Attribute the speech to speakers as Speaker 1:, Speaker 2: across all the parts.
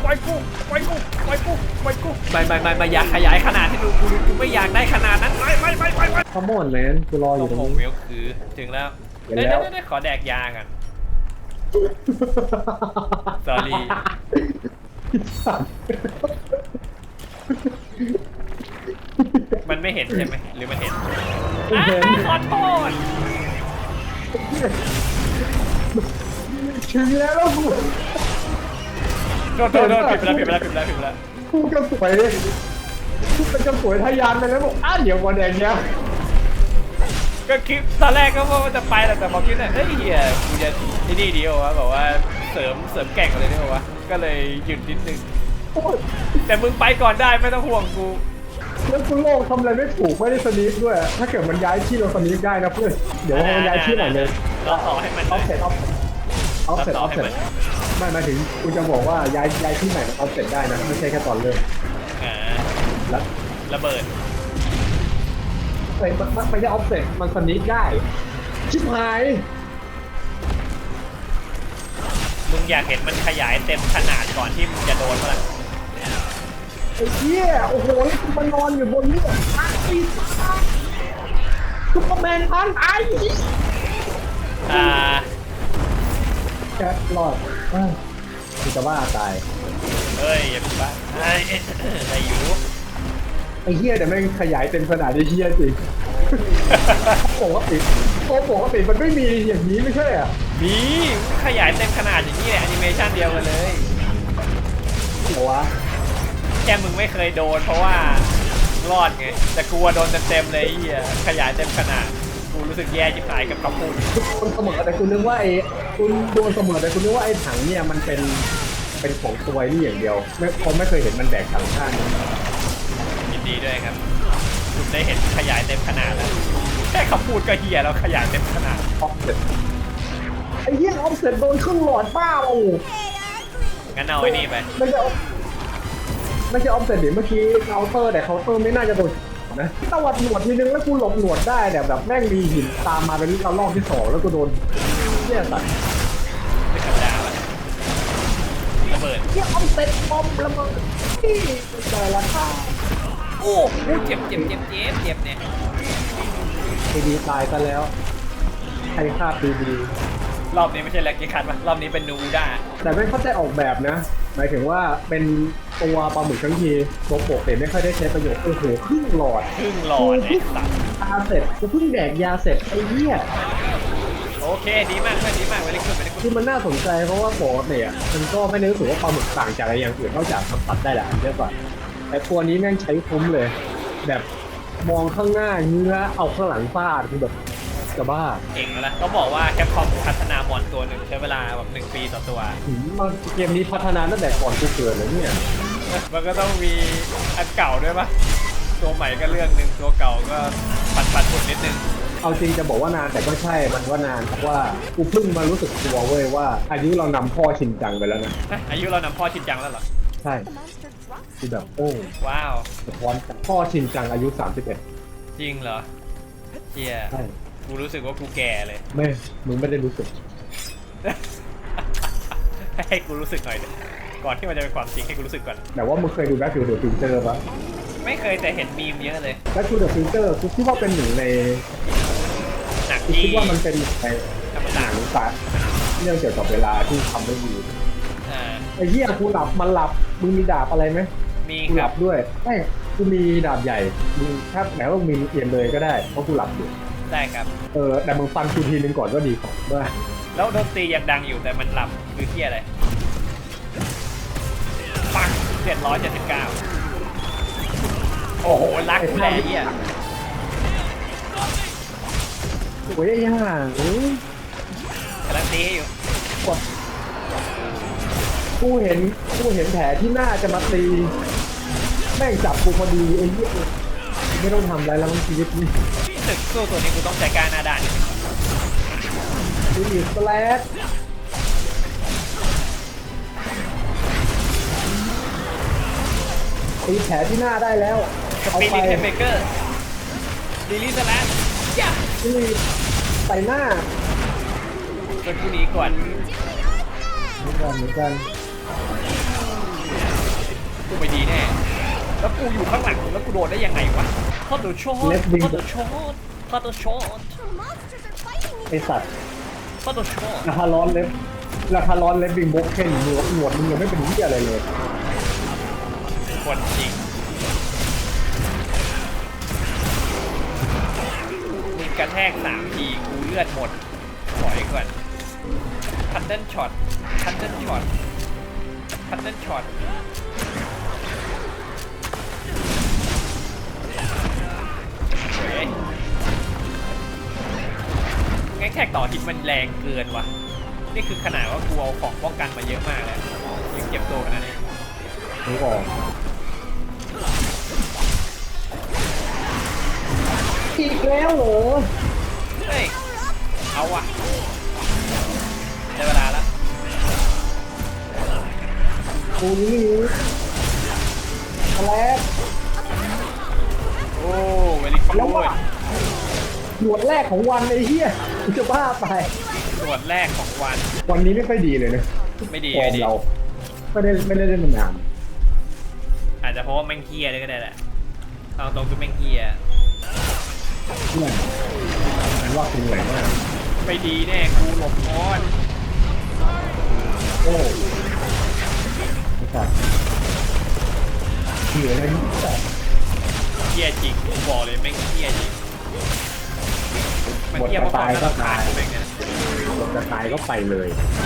Speaker 1: ปล่อยกูปล่อยกูปล่อยกูปล่อยกูไม่อยากขยายขนาดให้ดูกูไม่อยากได้ขนาดนั้นไม่
Speaker 2: ขโมยแมนกูรออยู่ตรง
Speaker 1: ผม
Speaker 2: นี้
Speaker 1: เวลคือถึงแล้วได้ขอแดกยากัน sorry มันไม่เห็นใช่ไหมหรือมันเห็นขอโทษ
Speaker 2: ถึงแล้วกู
Speaker 1: โทษผิดไปแล้ว
Speaker 2: กูก็สวยกูเป็นกระสวยทะยานไปแล้วบอกเดี๋ยววันแดงเนี้ย
Speaker 1: ก็คิดตอนแรกก็ว่าจะไปแต่พอคิดเฮ้ยเฮียกูจะที่นี่ดีวะแบบว่าเสริมแก่งอะไรนี่วะก็เลยหยุดนิดนึงแต่มึงไปก่อนได้ไม่ต้องห่วงกู
Speaker 2: แล้วกูโลกทำอะไรไม่ถูกไม่ได้สนิทด้วยถ้าเกิดมันย้ายที่เราสนิทได้นะเพื่อนเดี๋ยวมันย้ายที่หน่อยเลย
Speaker 1: เราต่อให้มัน
Speaker 2: ออฟเซ็ตไม่หมายถึงกูจะบอกว่าย้ายที่ไหนมันออฟเซ็ตได้นะไม่ใช่แค่ตอนเริ่ม
Speaker 1: แล้วระเบิด
Speaker 2: มันไม่ใช่ออฟเซ็ตมันสนิทได้ชิบหาย
Speaker 1: มึงอยากเห็นมันขยายเต็มขนาดก่อนที่มึงจะโดนมั้ย
Speaker 2: ไอ้เหี้ยโอ้โหแล้วกูมานอนอยู่บนนี้ซุปเปอร์แมนพันแค่รอดกูจะบ้าตาย
Speaker 1: เฮ้ยอย่าไปบ้าไอ้อยู่
Speaker 2: ไอ้เหี้ยแต่แม่งขยายเต็มขนาดไอ้เหี้ยจริงปกติมันไม่มีอย่างนี้ไม่ใช่อ่ะ
Speaker 1: มีขยายเต็มขนาดอย่างนี้แหละแอนิเมชันเดียวกันเลย
Speaker 2: โอ้วะ
Speaker 1: แค่มึงไม่เคยโดนเพราะว่ารอดไงแต่กลัวโดนเต็มเลยไอ้เหี้ยขยายเต็มขนาดกูรู้สึกแย่จิ๋หายกับคำพูด
Speaker 2: คุณเสมอแต่คุณนึกว่าคุณโดนเสมอแต่คุณนึกว่าไอ้ถังเนี่ยมันเป็นของตัวนี่อย่างเดียวไม่เคยเห็นมันแบกถังข้าง
Speaker 1: ยินดีด้วยครับคุณได้เห็นขยายเต็มขนาดแล้วแค่คำพูดก็เหี้ยแล้วขยายเต็มขนาด
Speaker 2: ออฟเซ็ตไอ้เหี้ยออฟเซ็ตโดนครึ่งหลอดบ้าโอ้
Speaker 1: งั้นเอาไอ้นี่ไป
Speaker 2: ไม่ใช่ออฟเซ็ตดิเมื่อกี้เคาน์เตอร์แต่เคาน์เตอร์ไม่น่าจะโดนนะตวัดหนวดทีนึงแล้วกูหลบหนวดได้แบบแม่งมีหินตามมาเป็นรอบที่2แล้วกูโดนเนี่ยสัตว์
Speaker 1: ไม่ธรรมดาละระเบิด
Speaker 2: เนี่ยออฟเซ็ตบอมระเบิดที่แต่ละท่า
Speaker 1: โอ้เจ็บเนี่ย
Speaker 2: ดีตายซะแล้วใครฆ่าดี
Speaker 1: รอบนี้ไม่ใช่แล็กกี้คัทป่ะรอบนี้เป็นนูด้า
Speaker 2: แต่ไม่เข้าใจออกแบบนะหมายถึงว่าเป็นตัวปลาหมึกทั้งทีตัวโปกแต่ไม่ค่อยได้ใช้ประโยชน์โอ้โหครึ่งหลอด
Speaker 1: ไอ้สัตว์
Speaker 2: ยาเสร็จกูเพิ่งแดกยาเสร็จไอ้เหี้ย
Speaker 1: โอเคดีมากเวลิกุด
Speaker 2: คือมันน่าสนใจเพราะว่าโปกเนี่ยมันก็ไม่ได้รู้สึกว่าปลาหมึกต่างจากอะไรอย่างอื่นนอกจากทำตัดได้แหละเยอะกว่าแต่ตัวนี้แม่งใช้คุ้มเลยแบบมองข้างหน้าเนื้อเอาข้างหลังฟาดคือแบบจะบ้า
Speaker 1: เก่งแล้วเขาบอกว่าแคปคอมพัฒนามอนตัวหนึ่งใช้เวลาแบบ1 ปีต่อตัว
Speaker 2: มันเกมนี้พัฒนาตั้งแต่ก่อนกูเกิดเลยเนี่ย
Speaker 1: มันก็ต้องมีอันเก่าด้วยปะตัวใหม่ก็เรื่องนึงตัวเก่าก็ปัดฝุ่นนิดนึง
Speaker 2: เอาจริงจะบอกว่านานแต่ก็ใช่มันว่านานเพราะว่ากูเพิ่งมารู้สึกตัวเว้ยว่าอายุเรานำพ่อชินจังไปแล้วนะ
Speaker 1: อายุเรานำพ่อชินจังแล้วเหรอ
Speaker 2: ใช่คือแบบโอ้
Speaker 1: ว้าว
Speaker 2: สะท้อนพ่อชินจังอายุ31
Speaker 1: จริงเหรอเฮีย
Speaker 2: ใช่
Speaker 1: กูรู้สึกว่ากูแก่เลย
Speaker 2: ไม่มึงไม่ได้รู้สึก
Speaker 1: ให้กูรู้สึกหน่อยก่อนที่มันจะเป็นความจริงให้กูรู้สึกก่อน
Speaker 2: แต่ว่ามึงเคยดูแบ็คทูเดอะฟิวเจอร์ปะ
Speaker 1: ไม่เคยแต่เห็นมีมเยอะเลย
Speaker 2: แบ็คทูเดอะฟิวเจอร์กูคิดว่าเป็นหนึ่งใน
Speaker 1: หนัง
Speaker 2: ที่คิดว่ามันเป็นในหนังสารเรื่องเกี่ยวกับเวลาที่ทำได้ดีไอ้เหี้ยกูหลับมันหลับมึงมีดาบอะไรไหม
Speaker 1: มี
Speaker 2: กูหลับด้วยไม่กูมีดาบใหญ่มึงถ้าไหนว่ามีเอียนเลยก็ได้เพราะกูหลับอยู่
Speaker 1: ได้ครับ
Speaker 2: แต่มึงฟังกูทีนึงก่อนก็ดีของว่า
Speaker 1: แล้วดนตรียังดังอยู่แต่มันหลับคือที่อะไรปัง779โอ้โหรักแรงเหี้ย
Speaker 2: โอ้ยย่าง
Speaker 1: กำลังตีอยู่
Speaker 2: กูเห็นแผลที่หน้าจะมาตีแม่งจับกูพอดีไอ้เหี้ยไม่ต้องทำอะไรแล้วมันชีวิตนี่
Speaker 1: ตึกสู้ตัวนี้กูต้องใจกล้าหน้าด้าน
Speaker 2: ดูอีกสแลดตีแผลที่หน้าได้แล้ว
Speaker 1: เอาไปเทมเบเกอร์ดีลี่สแลด
Speaker 2: ใส่หน้า
Speaker 1: เป็นผู้นี้ก่อน
Speaker 2: เหมือนกัน
Speaker 1: กูไม่ดีแน่แล้วกูอยู่ข้างหลังแล้วกูโดนได้ยังไงวะพอดช็อตพอดช็อตพอดช็อต
Speaker 2: ไอสัตว์
Speaker 1: พอดช็อต
Speaker 2: ราคาร้อนเล็บบิงบ็อกเคนหนวดมึงยังไม่เป็นเหี้ยอะไรเลย
Speaker 1: คนจริงมึงกระแทก3 ทีกูเลือดหมดถอยก่อนคัตเติ้ลช็อตคัตเติ้ลช็อตคัตเติ้ลช็อตเฮ้ยงั้นแท็กต่อฮิตมันแรงเกินว่ะนี่คือขนาดว่ากูเอาของป้องกันมาเยอะมากแล้วยังเจ็บตัวขนาดนี้
Speaker 2: นึกออกอีกแล้วเหรอ
Speaker 1: เฮ้ยเอาว่ะได้เวลาแล้ว
Speaker 2: กูนี่แล้
Speaker 1: โอ้เวลิคู
Speaker 2: แล้ว
Speaker 1: ด
Speaker 2: ว่าหนวดแรกของวันไอ้เหี้ยกูจะบ้าไป
Speaker 1: ตรวจแรกของวัน
Speaker 2: วันนี้ไม่ค่อยดีเลยนะ
Speaker 1: ไม่ดี
Speaker 2: ฟอ
Speaker 1: ไม่
Speaker 2: ร์ม
Speaker 1: ดี
Speaker 2: เราไม่ได้เล่นมานาน
Speaker 1: อาจจะเพราะว่าแม่งเฮียเลยก็ได้แหละเอาตรงคือแม่งเฮีย
Speaker 2: เพื่อนอันว่าคุณเหนื่อยมาก
Speaker 1: ไม่ดีแน่กูหลบอ้อน
Speaker 2: โอ้ไอ้สัตว์เหนื่อยเลยนี่สัตว์
Speaker 1: เฮียจริงกูบอกเลยแม่งเฮียจริงมัน
Speaker 2: หมด
Speaker 1: เฮีย
Speaker 2: จะ
Speaker 1: เพราะควา
Speaker 2: ตาม ยก็
Speaker 1: น่ารำคา
Speaker 2: ตา
Speaker 1: ญ
Speaker 2: ย
Speaker 1: กูแม่งเนี่ย
Speaker 2: หมดจะตายก็ไปเลย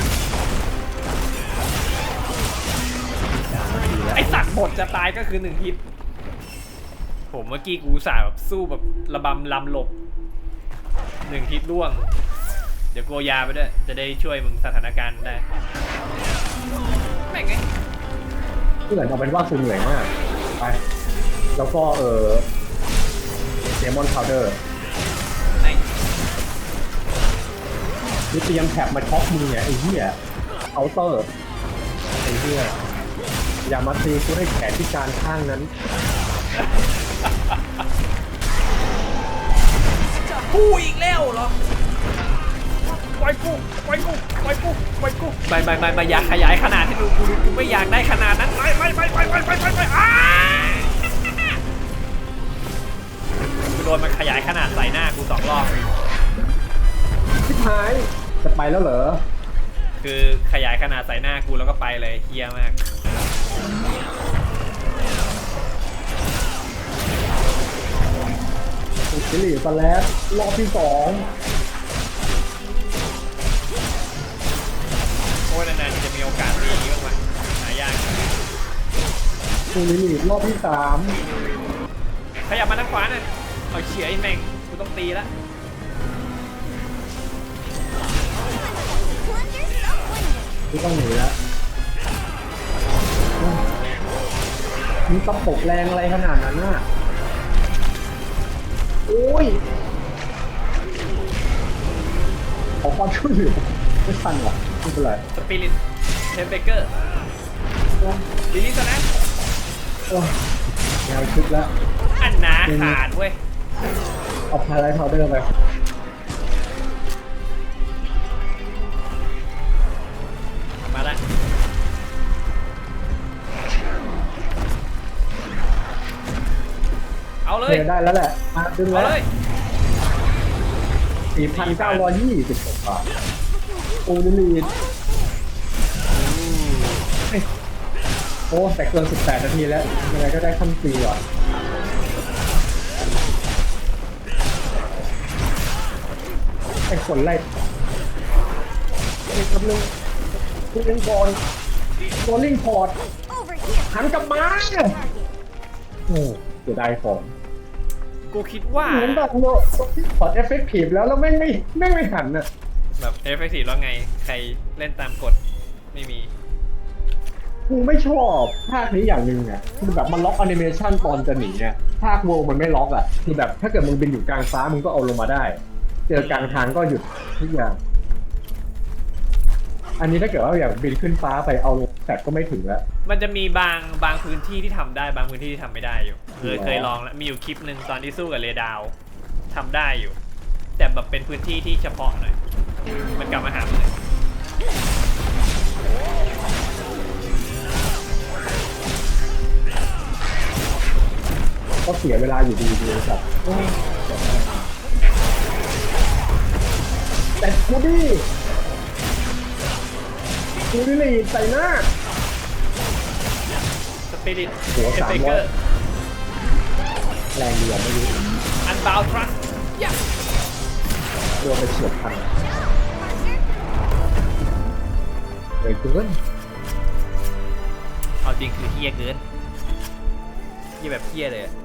Speaker 1: ไอสัตว์หมดจะตายก็คือ1 ฮิตผมเมื่อกี้กูสาแบบสู้แบบระบำลำหลบ1 ฮิตร่วงเดี๋ยวกูเอายาไปด้วยจะได้ช่วยมึงสถานการณ์ได้แม่งไง
Speaker 2: เพื่อนเอาเป็นว่าคุณเหนื่อยมากไปแล้วก็เดมอนพาวเดอร์
Speaker 1: ไหน
Speaker 2: นี่เตรียมแท็บมาช็อกมึงเนี่ยไอ้เหี้ยเอาเตอร์ไอ้เหี้ยอย่ามาตีกูให้แขนที่การข้างนั้น
Speaker 1: กูอีกแล้วเหรอปล่อยกูปล่อยกูปล่อยกูปล่อยกูไม่อยากขยายขนาดที่กูไม่อยากได้ขนาดนั้นไปอ้ากูโดนมันขยายขนาดใส่หน้ากู2 รอบ
Speaker 2: ชิบหายจะไปแล้วเหรอ
Speaker 1: คือขยายขนาดใส่หน้ากูแล้วก็ไปเลยเฮี้ยมาก
Speaker 2: สิริสแลปรอบที่2
Speaker 1: โอ้ยนานๆจะมีโอกาสดีบ้างไหมหายาก
Speaker 2: สิริรอบที่
Speaker 1: ขยับมาทางขวาหน่อยเอาเฉียไอ้แม่งกูต้องตีละ
Speaker 2: 3ที่ต้องหนีแล้วมีตะปกแรงอะไรขนาดนั้นน่ะโอ้ยขอความช่วยเหลือไม่ทันหรอไม่เป็นไร
Speaker 1: สปิริตเทมเบเกอร์ลิลิสนะ
Speaker 2: โอ้ยแนวชุดแล้ว
Speaker 1: อันนาขาดเว้ย
Speaker 2: เอาพาไลท์พาวเดอร์ไป
Speaker 1: มาละเอาเลย
Speaker 2: ได้แล้วแหละมาดึง
Speaker 1: เอา
Speaker 2: แล้ว
Speaker 1: เลย
Speaker 2: 4,926 บาทโอ้ดิลีดโอ้แต่เกิน18 นาทีแล้วยังไงก็ได้ขั้นฟรีว่ะไอ้คนไล่ไอ้กำลังคุณเล่นบอลบอลลิงพอร์ตหันกลับมาโอ้เสียดายของ
Speaker 1: กูคิดว่า
Speaker 2: เหมือนแบบโลพอร์ตเอฟเฟกตีฟแล้วแม่งไม่หันอ่ะ
Speaker 1: แบบเอฟเฟกตีฟแล้วไงใครเล่นตามกฎไม่มี
Speaker 2: กูไม่ชอบภาคนี้อย่างหนึ่งอ่ะคือแบบมันล็อกแอนิเมชันตอนจะหนีอ่ะภาคโวมันไม่ล็อกอ่ะคือแบบถ้าเกิดมึงบินอยู่กลางฟ้ามึงก็เอาลงมาได้เจอกลางทางก็หยุดทุกอย่างอันนี้ถ้าเกิดว่าอยากบินขึ้นฟ้าไปเอาลงแต่ก็ไม่ถึงแล้ว
Speaker 1: มันจะมีบางพื้นที่ที่ทำได้บางพื้นที่ที่ทำไม่ได้อยู่เคยลองแล้วมีอยู่คลิปหนึ่งตอนที่สู้กับเรดาวทำได้อยู่ แต่แบบเป็นพื้นที่ที่เฉพาะหน่อยมันกลับมาหามึงเลย
Speaker 2: ก็เสียเวลาอยู่ดีครับแต่กูดิลีใส่หน้า
Speaker 1: สปิริต
Speaker 2: หัว
Speaker 1: เอฟเฟกเกอร์
Speaker 2: แรงเดียวไม่รู้
Speaker 1: อันบาวทรัส
Speaker 2: โดนไปเฉียบพันเลยเกิน
Speaker 1: เอาจริงคือเฮี้ยเกินเฮี้ยแบบเฮี้ยเลยอะ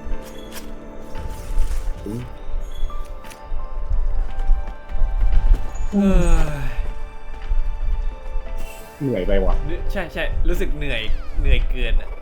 Speaker 1: เออ
Speaker 2: เหนื่อยไปว่ะ
Speaker 1: ใช่รู้สึกเหนื่อยเกินอะ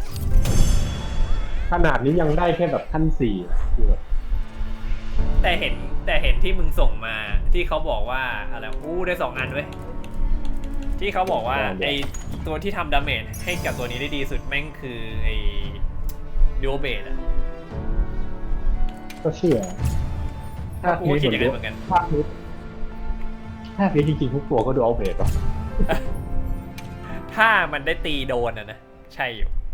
Speaker 2: ขนาดนี้ยังได้แค่แบบขั้น4คือแบบ
Speaker 1: แต่เห็นที่มึงส่งมาที่เขาบอกว่าอะไรได้2 อันเว้ยที่เขาบอกว่าไอตัวที่ทำดาเมจให้กับตัวนี้ได้ดีสุดแม่งคือไอดิโอเบดอะ
Speaker 2: ก็เชื่อ
Speaker 1: กูก็คิดอย่างนั้นเหมือนกัน
Speaker 2: ภาคนี้จริงๆทุกตัวก็ดูเอาเพจป่ะ
Speaker 1: ถ้ามันได้ตีโดนอะนะใช่อยู่